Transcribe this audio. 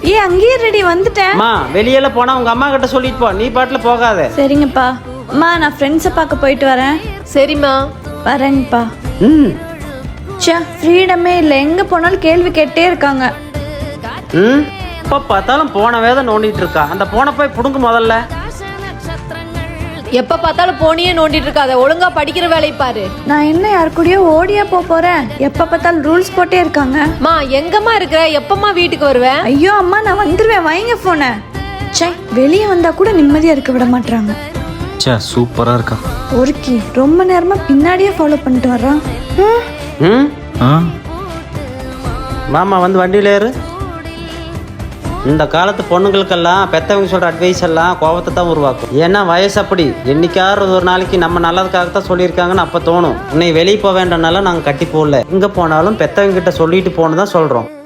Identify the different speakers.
Speaker 1: அங்கேயே ரெடி வந்துட்டேன்.
Speaker 2: அம்மா வெளியில போனா உங்க அம்மா கிட்ட சொல்லிட்டு போ, நீ பாட்டுல போகாத.
Speaker 1: சரிங்கப்பா. அம்மா நான் ஃப்ரெண்ட்ஸை பார்க்க போயிட்டு வரேன்.
Speaker 3: சரிம்மா.
Speaker 1: வரேங்கப்பா.
Speaker 2: ம்
Speaker 1: ச்சே ஃப்ரீடமே இல்லை, எங்கே போனாலும் கேள்வி கேட்டே இருக்காங்க.
Speaker 2: ம் இப்போ பார்த்தாலும் போன வேதை நோண்டிட்டு இருக்கா. அந்த போனை போய் புடுங்க முதல்ல.
Speaker 3: எப்ப பார்த்தாலும் போனியே நோண்டிட்டு இருக்காத, ஒழுங்கா படிக்கிற வேலையை பாரு.
Speaker 1: நான் என்ன யாரு கூடயோ ஓடியா போறேன்? எப்ப பார்த்தாலும் ரூல்ஸ் போட்டே இருக்காங்க.
Speaker 3: மா எங்கம்மா இருக்கிற, எப்பம்மா வீட்டுக்கு வருவேன்?
Speaker 1: ஐயோ அம்மா நான் வந்துருவேன், வைங்க போன. சே வெளியே வந்தா கூட நிம்மதியா இருக்க விட மாட்டாங்க.
Speaker 4: சே சூப்பரா இருக்கா.
Speaker 1: ஒருக்கி ரொம்ப நேரமா பின்னாடியே ஃபாலோ பண்ணிட்டு வர்றான்.
Speaker 2: ம்
Speaker 4: ஆ
Speaker 2: மாமா வந்து வண்டியில ஏறு. இந்த காலத்து பொண்ணுங்களுக்கெல்லாம் பெத்தவங்க சொல்ற அட்வைஸ் எல்லாம் கோபத்தை தான் உருவாக்கும். ஏன்னா வயசு அப்படி. என்னைக்காவது ஒரு நாளைக்கு நம்ம நல்லதுக்காகத்தான் சொல்லியிருக்காங்கன்னு அப்போ தோணும். உன்னை வெளியே போக வேண்டாம்னால நாங்கள் கட்டி போடல. எங்கே போனாலும் பெத்தவங்க கிட்ட சொல்லிட்டு போன்னு தான் சொல்கிறோம்.